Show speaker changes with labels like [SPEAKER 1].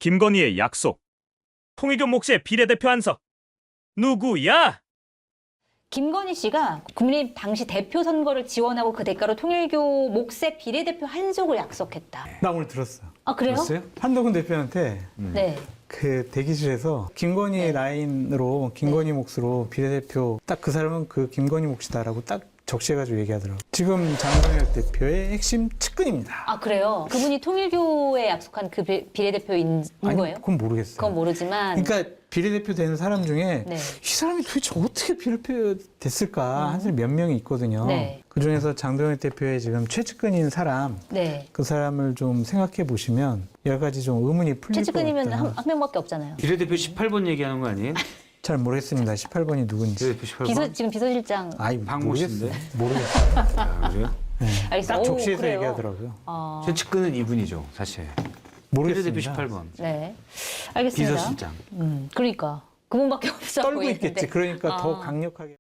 [SPEAKER 1] 김건희의 약속. 통일교 몫의 비례대표 한석. 누구야?
[SPEAKER 2] 김건희 씨가 국민의힘 당시 대표 선거를 지원하고 그 대가로 통일교 몫의 비례대표 한석을 약속했다.
[SPEAKER 3] 나 오늘 들었어.
[SPEAKER 2] 아, 그래요?
[SPEAKER 3] 들었어요? 한덕훈 대표한테
[SPEAKER 2] 네.
[SPEAKER 3] 그 대기실에서 김건희 라인으로 김건희 몫으로 비례대표 딱 그 사람은 그 김건희 몫이다라고 딱 적시해가지고 얘기하더라고. 지금 장동혁 대표의 핵심 측근입니다.
[SPEAKER 2] 아, 그래요? 그분이 통일교에 약속한 그 비례대표인
[SPEAKER 3] 아니,
[SPEAKER 2] 거예요?
[SPEAKER 3] 그건 모르겠어요.
[SPEAKER 2] 그건 모르지만.
[SPEAKER 3] 그러니까 비례대표 되는 사람 중에
[SPEAKER 2] 네.
[SPEAKER 3] 이 사람이 도대체 어떻게 비례대표 됐을까 한 사람이 몇 명이 있거든요.
[SPEAKER 2] 네.
[SPEAKER 3] 그중에서 장동혁 대표의 지금 최측근인 사람
[SPEAKER 2] 네.
[SPEAKER 3] 그 사람을 좀 생각해 보시면 여러 가지 좀 의문이 풀릴 것
[SPEAKER 2] 최측근이면
[SPEAKER 3] 같다.
[SPEAKER 2] 한 명밖에 없잖아요.
[SPEAKER 4] 비례대표 18번 얘기하는 거 아니에요?
[SPEAKER 3] 잘 모르겠습니다. 18번이 누군지.
[SPEAKER 4] 비례대표 18번?
[SPEAKER 2] 지금 비서실장.
[SPEAKER 3] 아이
[SPEAKER 4] 박모 씨인데?
[SPEAKER 3] 모르겠어요.
[SPEAKER 4] 아, 그래요?
[SPEAKER 2] 알겠습니다.
[SPEAKER 3] 딱
[SPEAKER 2] 오,
[SPEAKER 3] 적시해서
[SPEAKER 2] 그래요?
[SPEAKER 3] 얘기하더라고요.
[SPEAKER 4] 제 측근은 이분이죠, 사실.
[SPEAKER 3] 모르겠습니다.
[SPEAKER 4] 비례대표 18번.
[SPEAKER 2] 네. 알겠습니다.
[SPEAKER 4] 비서실장.
[SPEAKER 2] 그러니까. 그분밖에 없어
[SPEAKER 3] 떨고
[SPEAKER 2] 보이는데.
[SPEAKER 3] 있겠지. 그러니까 더
[SPEAKER 2] 아.
[SPEAKER 3] 강력하게.